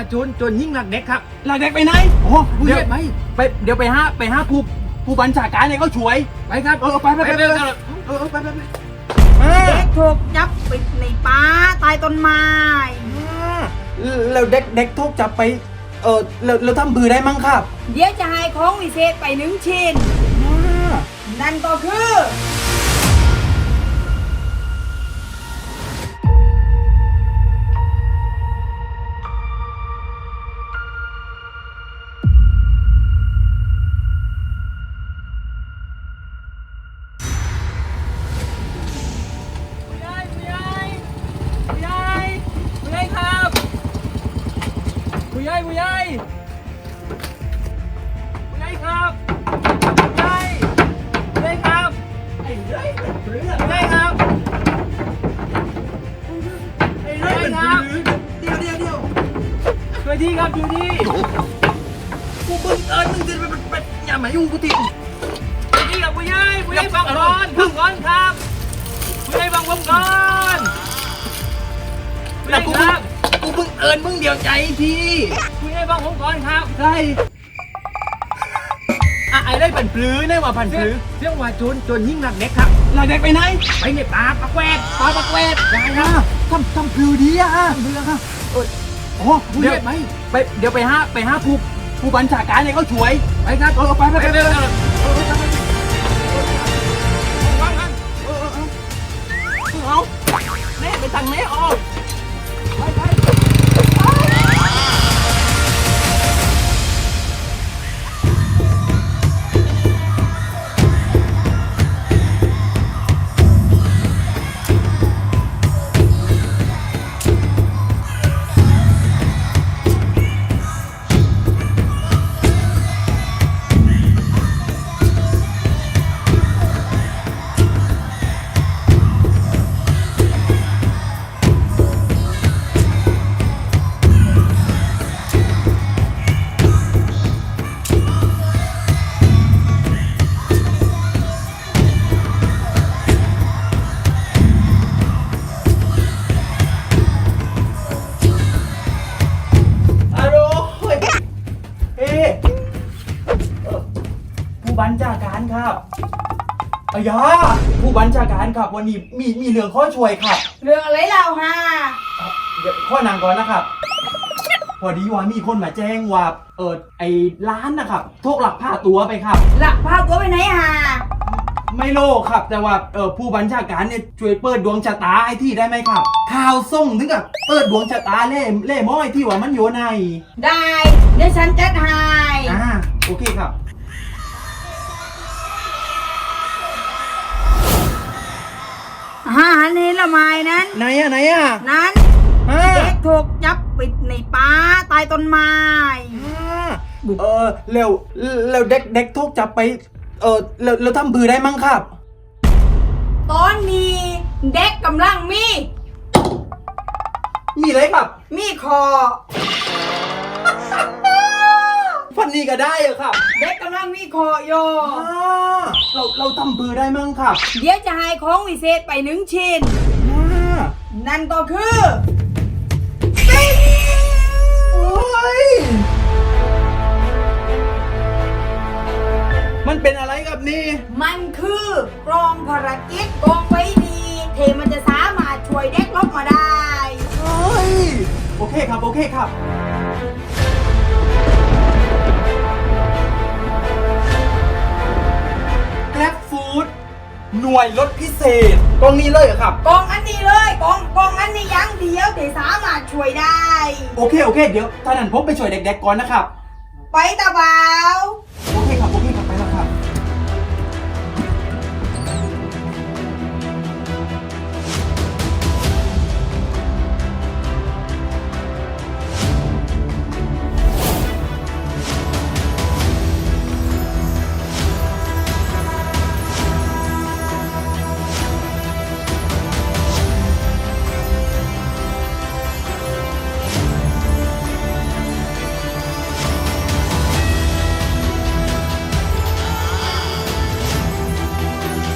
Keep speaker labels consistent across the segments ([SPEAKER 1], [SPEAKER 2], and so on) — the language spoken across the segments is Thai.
[SPEAKER 1] โจรยิ่งหลักเด็กครับ
[SPEAKER 2] หลักเด็กไปไหนโอ้
[SPEAKER 1] ผู้ใหญ่ไป
[SPEAKER 2] เดี๋ยวไปห้าผู้บัญชาการเนี่ยเขาช่วย
[SPEAKER 1] ไปครับ
[SPEAKER 2] ไปไป
[SPEAKER 1] ไป
[SPEAKER 2] ไปไป
[SPEAKER 3] เด็กถูกจับปิดในป่าใต้ต้นไม้
[SPEAKER 2] แล้วเด็กถูกจับไปเราทำบือได้มั้งครับ
[SPEAKER 3] เดี๋ยวจะให้ของวิเศษไปหนึ่งชิ้น นั่นก็คือ
[SPEAKER 1] ผู้ใหญ่ครับผู้ใหญ่ครับผู้ใหญ่ครับไอ้เรื่อยเป็นเรื่องผู้ใหญ่ครับไอ้เรื่อยเป็นเรื่องเดี๋ยวช่วยทีครับช่วยทีกูบึ้งมึงจะเป็นอย่ามายุ่งกูทีช่วยทีกับผู้ใหญ่ฟังก่อนครับผู้ใหญ่ฟังผมก่อนผู้ใหญ่ครับ
[SPEAKER 2] กูเพิ่งมึงเดียวใจที
[SPEAKER 1] ผู้ใหญ่ฟังผมก่อนครับ
[SPEAKER 2] ใช่ไอ้ได้ผันปลื้อได้ว่าผันปลื้อ
[SPEAKER 1] เรื่องว่าโจรยิ่งหลักเด็กครับ
[SPEAKER 2] หลักเด็กไปไหน
[SPEAKER 1] ไปในป่าปักแวดได้ครับ
[SPEAKER 2] ทำปลื้อดีอะปลื้อครับโอ้
[SPEAKER 1] ผู้ใหญ่ไป
[SPEAKER 2] เดี๋ยวไปห้าผู้บัญชาการเนี่ยเขาช่วย
[SPEAKER 1] ไปครับไป
[SPEAKER 2] เอาแน่ไปทางไหนออกผู้บัญชาการครับอายาผู้บัญชาการครับวันนี้มีเรื่องข้อช่วยครับ
[SPEAKER 3] เรื่องอะไรเราฮะ
[SPEAKER 2] เดี๋ยวข้อนางก่อนนะครับ พอดีว่ามีคนมาแจ้งว่าไอ้ร้านนะครับถูกหลักพาตัวไปครับ
[SPEAKER 3] หลักพาตัวไปไหนฮะ
[SPEAKER 2] ไม่โลกครับ แต่ว่าผู้บัญชาการเนี่ยช่วยเปิดดวงชะตาไอ้ที่ได้ไหมครับ ข่าวส่งถึงกับเปิดดวงชะตาเล่ม้อยที่ว่ามันอยู่ใน
[SPEAKER 3] ได้ เดี๋ยวฉันจัดให้
[SPEAKER 2] โอเคครับ
[SPEAKER 3] หันเห็นละไม้นั้น
[SPEAKER 2] ไหนอะ
[SPEAKER 3] นั้น
[SPEAKER 2] อ่า
[SPEAKER 3] เด็กถูกจับปิดในป่าใต้ต้นไม้
[SPEAKER 2] แล้วเด็กถูกจับไปเราทำบือได้มั้งครับ
[SPEAKER 3] ตอนนี้เด็กกำลังมี
[SPEAKER 2] เลยครับ
[SPEAKER 3] มีคอ
[SPEAKER 2] ฟันนี้ก็ได้เหรอครับ
[SPEAKER 3] เด็กกำลังมีคอโย
[SPEAKER 2] เราทำบือได้มั้งครับ
[SPEAKER 3] เดี๋ยวจะให้ของวิเศษไปหนึ่งชิ้น นั่นก็คือ
[SPEAKER 2] โอ้ยมันเป็นอะไรกับนี่
[SPEAKER 3] มันคือกรองภารกิจกองไว้ดีเทมันจะสามารถช่วยเด็กลบมาได้
[SPEAKER 2] โอ้ยโอเคครับ แกร็บฟู้ดหน่วยรถพิเศษกองนี้เลยเหรอครับ
[SPEAKER 3] กองอันนี้เลยกองอันนี้ยังเดียวเทสามารถช่วยได้
[SPEAKER 2] โอเค เดี๋ยวท่านั้นผมไปช่วยเด็กๆก่อนนะครับ
[SPEAKER 3] ไปตาเบา
[SPEAKER 2] โอเคครับ ไปแล้วครับ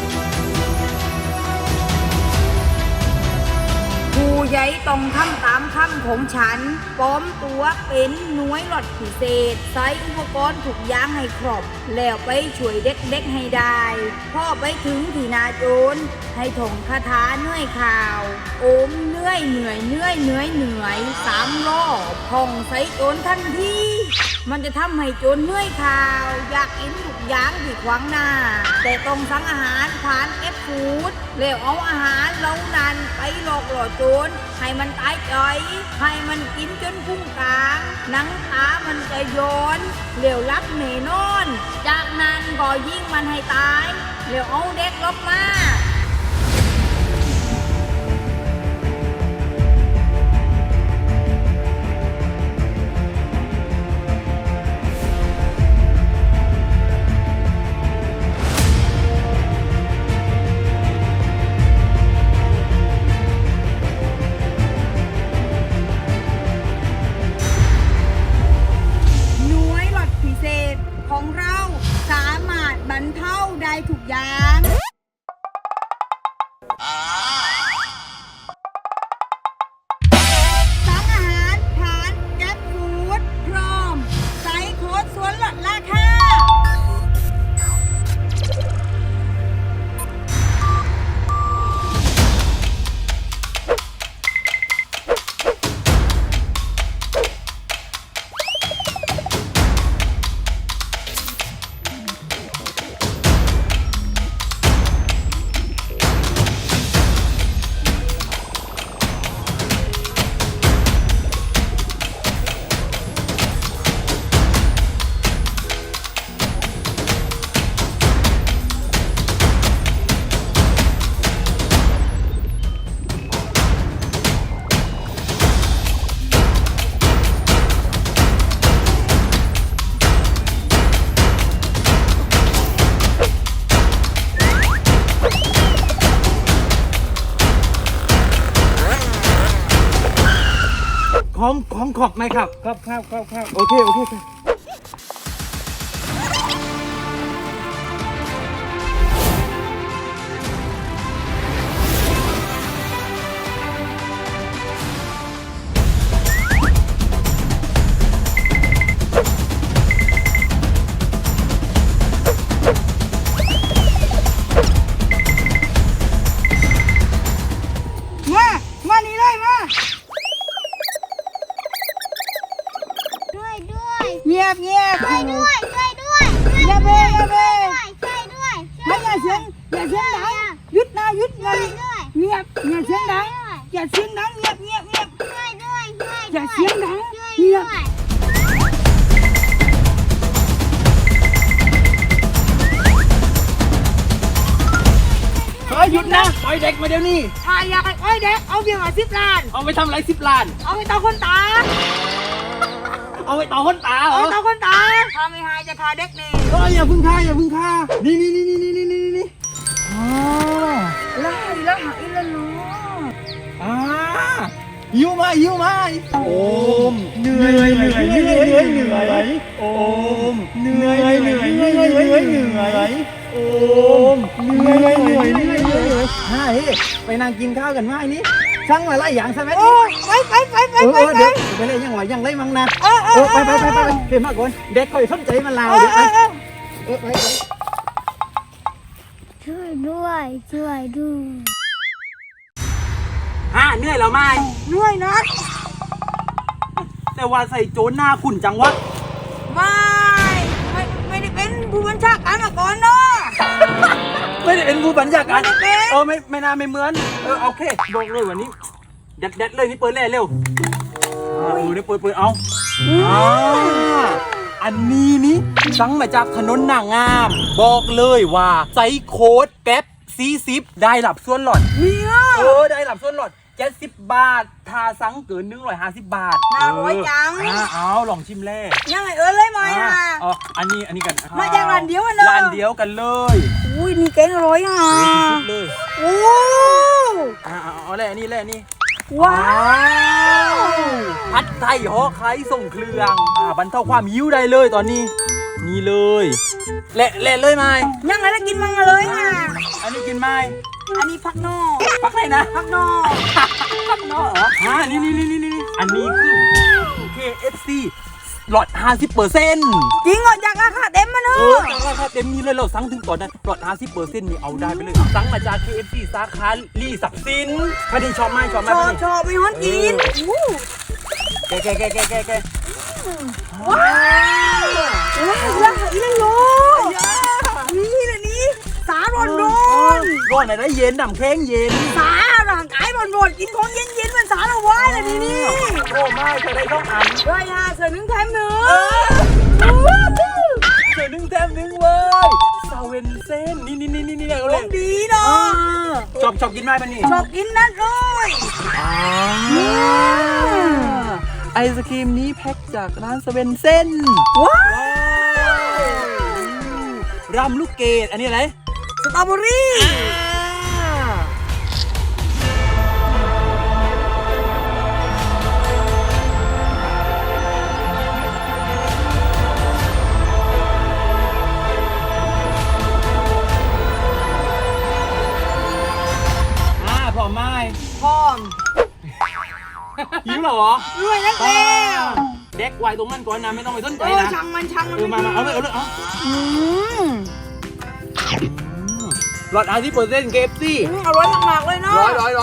[SPEAKER 3] ผู้ใหญ่ต้องทำตามคค่ำของฉันปลอมตัวเป็นหน่วยหลอดพิเศษใช้อุปกรณ์ทุกอย่างให้ครบแล้วไปช่วยเด็กๆให้ได้พ่อไปถึงที่นาโจรให้ท่องคาถาเหนื่อยข่าว โอมเหนื่อย3 รอบท่องใส่โจรทันทีมันจะทำให้โจรเหนื่อยข่าว อยากกินทุกอย่างที่ขวางหน้า แต่ต้องสั่งอาหารผ่านแอปฟู้ดแล้วเอาอาหารเหล่านั้นไปหลอกหล่อโจรให้มันตายใจให้มันกินจนพุงกลางหนังตามันจะย้อนเหลวรับแน่นอน จากนั้นก็ยิงมันให้ตายแล้วเอาเด็กลบมาของเราสามารถบรรเทาได้ทุกอย่างสั่งอาหารผ่านแก๊ปฟู้ดพร้อมใส่โค้ดส่วนลดราคา
[SPEAKER 2] ของขอบไหมครับครับโอเคครับ
[SPEAKER 3] มานี่เลยมาเงียบช่วยด้วยอย่าเบอย่าเบไม่อย่าเสียงดังหยุดนะเงียบอย่าเสียงดังเงียบอย่าเสียงดังเงียบ
[SPEAKER 2] หยุดนะปล่อยเด็กมาเดี๋ยวนี้
[SPEAKER 3] ถ้าอยากให้เด็กเอาเบี้ยมา10 ล้าน
[SPEAKER 2] เอาไปทำอะไร10 ล้าน
[SPEAKER 3] เอาไปต่อคนตา
[SPEAKER 2] เอาไปต่อคนตาเหรอ
[SPEAKER 3] เอาต่อคนตาถ้าไม่หายจะฆ่าเด็กนี่
[SPEAKER 2] อย่าพึ่งฆ่านี่อ๋อ
[SPEAKER 3] ไล่แล้วหาอีละเนาะ
[SPEAKER 2] หิวมาโอมเหนื่อยโอมเหนื่อยโอมเหนื่อยไปนั่งกินข้าวกันไหมนี่สั่งหลายอย่างใช่ไหม
[SPEAKER 3] โอ้ยไป
[SPEAKER 2] เด็กไปเลยยังไรมั้งนะไปเปลี่ยนมากกว่าเด็กคอยสนใจมันลาวเดี๋ยวไป
[SPEAKER 4] ช่วยด้วย
[SPEAKER 2] เหนื่อยแล้วไหม
[SPEAKER 3] เหนื่อยนะ
[SPEAKER 2] แต่ว่าใส่โจนหน้าขุ่นจังวะ
[SPEAKER 3] ไม่ได้เป็นผู้บัญชาการมาก่อนเนาะ
[SPEAKER 2] ไม่ได้เป็นผู้บัญชาการ
[SPEAKER 3] ไม่ได้เป็น
[SPEAKER 2] ไม่น่าไม่เหมือนโอเคบอกเลยวันนี้เด็ดเลยนี่เปิดเร็วนี่เปิดเอาอันนี้นี่สั่งมาจากถนนนางงามบอกเลยว่าใส่โค้ดแก๊ป40ได้หลับส่วนหลอด
[SPEAKER 3] เนี่ย
[SPEAKER 2] ได้หลับส่วนหลอด70 บาทถ้าสั่งเกิน150 บาท
[SPEAKER 3] น่าร้อยจัง
[SPEAKER 2] เอาลองชิมแรก
[SPEAKER 3] ยังไงเลยไหมอ่ะ
[SPEAKER 2] อันนี้กัน
[SPEAKER 3] มาจากร้านเดียวกันเลย
[SPEAKER 2] ร้านเดียวกันเลย
[SPEAKER 3] อุ้ยนี่แกงร้อยอ่ะ
[SPEAKER 2] สุดเลย
[SPEAKER 3] โอ้
[SPEAKER 2] เอาแรกนี่
[SPEAKER 3] ว้าว
[SPEAKER 2] ผัดไทยห่อไข่ส่งเครื่องบรรเทาความหิวได้เลยตอนนี้นี่เลยเละเลยไหม
[SPEAKER 3] ยังไงแล้วกินมังเลยอ่ะ
[SPEAKER 2] อันนี้กินไหม
[SPEAKER 3] อันนี้พักนอก
[SPEAKER 2] พักไหนนะ
[SPEAKER 3] พักนอก
[SPEAKER 2] พักนอกเหรอนี่อันนี้คือ KFC ลด 50%
[SPEAKER 3] จริงเหรอจากราคาเต็มมาเนอะ
[SPEAKER 2] จากราคาเต็มนี้เลยเราสั่งถึงตอนนั้นลด 50% นี่เอาได้ไปเลยสั่งมาจาก KFC สาขาลีสับสินพอดีชอบไหม
[SPEAKER 3] ชอบมีฮอนกินอู้
[SPEAKER 2] แก
[SPEAKER 3] ว้าวเฮ้ยราคาอีกเลยนี่เลยนี่สาร้อน
[SPEAKER 2] ร้อนอะไรเย็นดำแข็งเย็น
[SPEAKER 3] สาร่างกายร้อนกินของเย็นๆมันสาเราไว้เลยนี่
[SPEAKER 2] โอ้ไม่เคยได้ต้องอัน
[SPEAKER 3] ด้วยฮะเสือนึ่งแถมหนึ่ง
[SPEAKER 2] เจอ1 แถม 1เว้ยซาเวนเส้นนี่เอา
[SPEAKER 3] ข
[SPEAKER 2] เล
[SPEAKER 3] อย งดีเนาะ
[SPEAKER 2] ชอบกินไหมปะนี่
[SPEAKER 3] ชอบกินนั่นเลย
[SPEAKER 2] ไอศครีมนี้แพ็คจากร้านซาเวนเส้น
[SPEAKER 3] ว้าว
[SPEAKER 2] รำลูกเกดอันนี้อะไร
[SPEAKER 3] สตรอเบอรี่
[SPEAKER 2] พร้อมไหม
[SPEAKER 3] พร้อม
[SPEAKER 2] หิวเหรอ
[SPEAKER 3] ด้วยนักแล้ว
[SPEAKER 2] เด็กไว้ตรงนั้นก่อนนะไม่ต้องไปสนใจนะ
[SPEAKER 3] ช่างมัน
[SPEAKER 2] มาเอาเลยเอา
[SPEAKER 3] อืม
[SPEAKER 2] หลอด50% KFC
[SPEAKER 3] อร่อยมากๆเลยเนาะ
[SPEAKER 2] ร้อย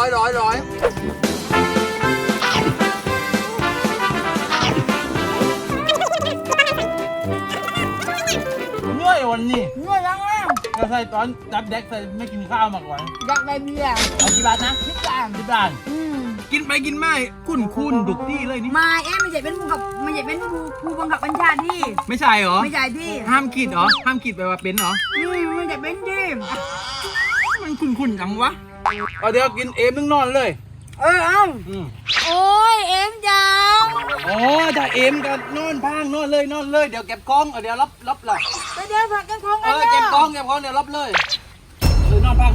[SPEAKER 2] เมื่อยวันนี้
[SPEAKER 3] เมื่อยังแล้ว
[SPEAKER 2] ก็ใส่ตอนจับเด็กใส่ไม่กินข้าวมาก่อน
[SPEAKER 3] อยากได้เบียร์
[SPEAKER 2] เอากี่บาทนะ
[SPEAKER 3] พิจาร
[SPEAKER 2] 10 บาทกินไปกินมาคุ้นดุกที่เลยนี่
[SPEAKER 3] มาไม่ใช่เป็นผู้กับไม่ใช่เป็นผู้บังคับบัญชาที่
[SPEAKER 2] ไม่ใช่เหรอ
[SPEAKER 3] ไม่ใช่ที่
[SPEAKER 2] ห้ามคิดเหรอห้ามคิดไปว่าเป็นเหรอ
[SPEAKER 3] ไม่ใช่เป็นที่
[SPEAKER 2] มันคุ้นจังวะเอาเดี๋ยวกินเอมนึงนอนเลย
[SPEAKER 3] เอ้าโอ้ยเอ็มจัง
[SPEAKER 2] อ๋อถ้าเอมก็นอนพังนอนเลยเดี๋ยวเก็บกล้องเดี๋ยวรับหลับ
[SPEAKER 3] ไปเดี๋ยวผักกันของกัน
[SPEAKER 2] เก็บกล้องเดี๋ยวรับเลยนอนพัก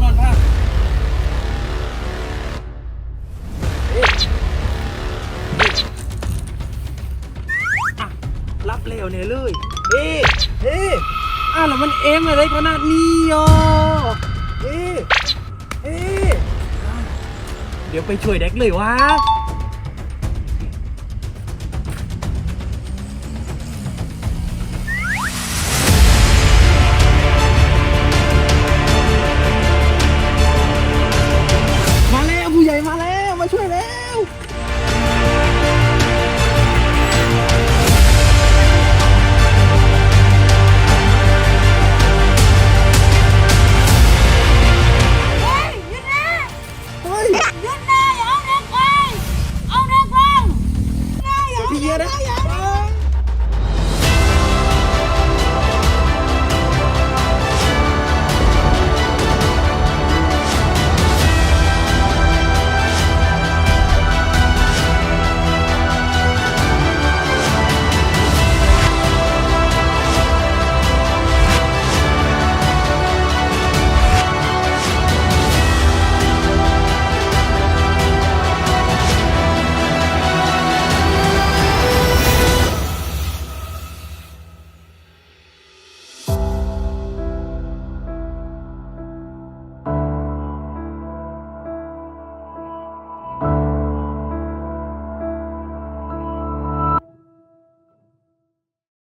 [SPEAKER 2] รับเร็วเนี่ยเลยแล้วมันเอมอะไรขนาดนี้อ่ะเดี๋ยวไปช่วยเด็กเลยวะ